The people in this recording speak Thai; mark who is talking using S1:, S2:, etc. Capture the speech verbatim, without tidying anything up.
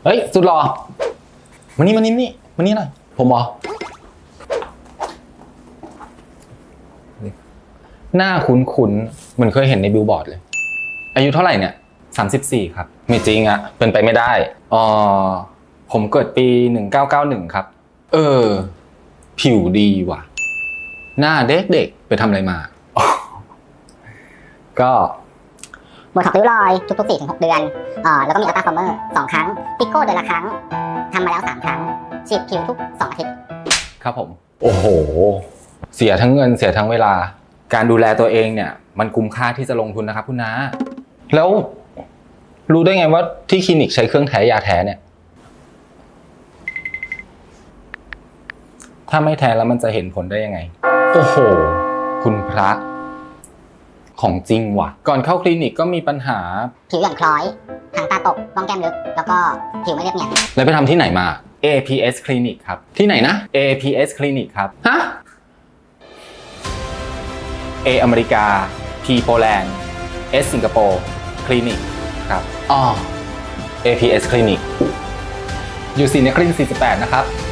S1: ฮ้ยสุดหล่อมานี่มานี่นี่มานี่หน่อยผมเหรอหน้าคุ้นๆเหมือนเคยเห็นในบิลบอร์ดเลยอายุเท่าไหร่เนี่ยสามสิบสี่ครับไม่จริงอะเป็นไปไม่ได้อ๋อผมเกิดปีหนึ่งเก้าเก้าหนึ่งครับเออผิวดีว่ะหน้าเด็กๆไปทำอะไรมา ก็
S2: โบท็อกซ์ริ้วรอยทุกๆ สี่ถึงหก เดือนเอ่อแล้วก็มีอัลตราฟอร์เมอร์สองครั้งพิกโก้เดือนละครั้งทำมาแล้วสามครั้งฉีดผิวทุกสองอาทิตย์
S1: ครับผมโอ้โหเสียทั้งเงินเสียทั้งเวลาการดูแลตัวเองเนี่ยมันคุ้มค่าที่จะลงทุนนะครับคุณน้าแล้วรู้ได้ไงว่าที่คลินิกใช้เครื่องแท้ยาแท้เนี่ยถ้าไม่แท้แล้วมันจะเห็นผลได้ยังไงโอ้โหคุณพระของจริงว่ะก่อนเข้าคลินิกก็มีปัญหา
S2: ผิวหย่อนคล้อยหางตาตกร่องแก้มลึกแล้วก็ผิวไม่เรียบเนียน
S1: แล้วไปทำที่ไหนมา เอ พี เอส Clinic ครับที่ไหนนะ เอ พี เอส Clinic ครับฮะ A อเมริกา P โปแลนด์ S สิงคโปร์คลินิกครับอ๋อ เอ พี เอส Clinic อยู่ศรีนครินทร์สี่สิบแปดนะครับ